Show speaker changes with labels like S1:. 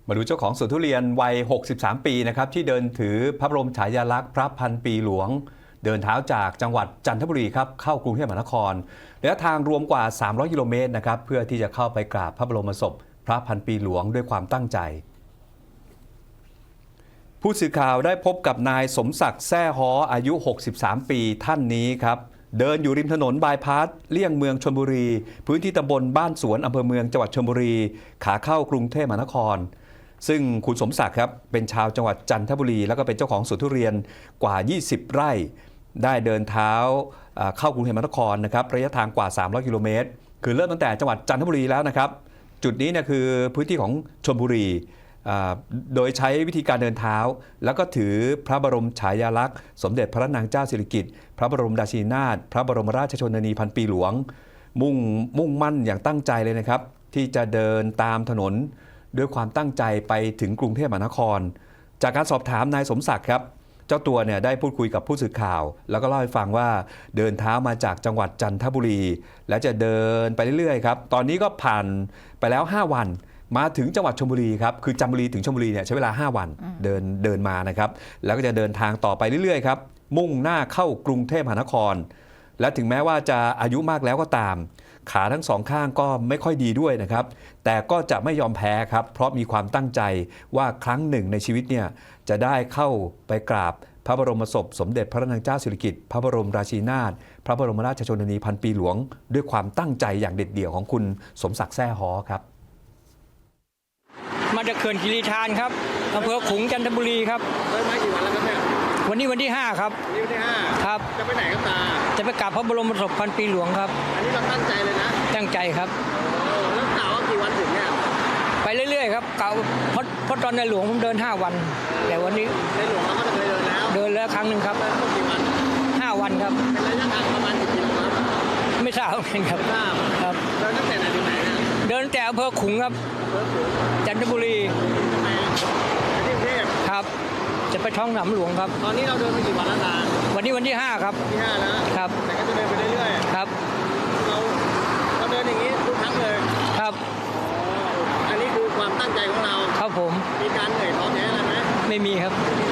S1: มาดูเจ้าของสวนทุเรียนวัย 63 ปีนะครับที่เดินถือพระบรมฉายาลักษณ์พระพันปีหลวง เดินเท้าจากจังหวัดจันทบุรีครับเข้ากรุงเทพมหานครระยะทางรวมกว่า 300 กิโลเมตรนะครับเพื่อที่จะเข้าไปกราบพระบรมศพพระพันปีหลวงด้วยความตั้งใจ ผู้สื่อข่าวได้พบกับนายสมศักดิ์แซ่ฮ้ออายุ 63 ปีท่านนี้ครับเดินอยู่ริมถนนบายพาสเลี่ยงเมืองชลบุรีพื้นที่ตำบลบ้านสวนอำเภอเมืองจังหวัดชลบุรีขาเข้ากรุงเทพมหานครซึ่งคุณสมศักดิ์ครับเป็นชาวจังหวัดจันทบุรีแล้วก็เป็นเจ้าของสวนทุเรียนกว่า 20 ไร่ได้เดินเท้าเข้ากรุงเทพมหานครนะครับระยะทางกว่า 300 กิโลเมตรคือเริ่มตั้งแต่จังหวัดจันทบุรีแล้วนะครับจุดนี้เนี่ยคือพื้นที่ของชลบุรีโดยใช้วิธีการเดินเท้าแล้วก็ถือพระบรมฉายาลักษณ์สมเด็จพระนางเจ้าสิริกิติ์พระบรมราชินีนาถพระบรมราชชนนีพันปีหลวงมุ่งมั่นอย่างตั้งใจเลยนะครับที่จะเดินตามถนนด้วยความตั้งใจไปถึงกรุงเทพมหานครจากการสอบถามนายสมศักดิ์ครับเจ้าตัวเนี่ยได้พูดคุยกับผู้สื่อข่าวแล้วก็เล่าให้ฟังว่าเดินเท้ามาจากจังหวัดจันทบุรีและจะเดินไปเรื่อยๆครับตอนนี้ก็ผ่านไปแล้ว5 วันมาถึงจังหวัดชลบุรีครับคือจันทบุรีถึงชลบุรีเนี่ยใช้เวลา5 วันเดินมานะครับแล้วก็จะเดินทางต่อไปเรื่อยๆครับมุ่งหน้าเข้ากรุงเทพมหานครและถึงแม้ว่าจะอายุมากแล้วก็ตามขาทั้งสองข้างก็ไม่ค่อยดีด้วยนะครับแต่ก็จะไม่ยอมแพ้ครับเพราะมีความตั้งใจว่าครั้งหนึ่งในชีวิตเนี่ยจะได้เข้าไปกราบพระบรมศพสมเด็จพระนางเจ้าสิริกิติ์พระบรมราชินีนาถพระบรมราชชนนีพันปีหลวงด้วยความตั้งใจอย่างเด็ดเดี่ยวของคุณสมศักดิ์แซ่ฮ้อครับ
S2: มาจากเขื่อนคีรีธารครับอำเภอขลุงจันทบุรีครับ
S3: เดินมากี่วันแล้วครับเนี่ย
S2: วันนี้วันที่5ครับ
S3: วันที่5
S2: ครับ
S3: จะไปไหนครับตา
S2: จะไปกราบพระบรมศพพันปีหลวงครับ
S3: อันนี้เราตั้งใจเลยนะ
S2: ตั้งใจครับ
S3: แล้วกล่าวว่ากี่วันถึงเนี่ย
S2: ไปเรื่อยๆครับกล่าวเพราะตอนในหลวงผมเดิน5 วันแต่วันนี้
S3: ในหลวงเราก็เคยเดินแล้ว
S2: ครั้งหนึ่งครับ
S3: เดินกี่วัน
S2: 5 วันครับ
S3: เป็นระยะทางประมาณกี่กิโลครับ
S2: ไม่ทราบเหมือนกันครับ
S3: ครับเดินตั้งแต่ไหนถึงไหนเนี่ย
S2: เดินแต่อำเภอขลุงครับจันทบุรี
S3: ไปที่กรุงเทพ
S2: ครับจะไปท้องสนามหลวงครับ
S3: ตอนนี้เราเดินไปกี่วันแล้วตา
S2: วันนี้วันที่5ครับ
S3: ที่5แล้ว
S2: ครับ
S3: แต่ก็จะเดินไปเรื่อย
S2: ๆครับ
S3: เราเดินอย่างนี้ทุกครั้งเลย
S2: ครับ
S3: อันนี้คือความตั้งใจของเรา
S2: ครับผม
S3: มีการเหนื่อยท้อแท้อะไรไหม
S2: ไม่มีครับ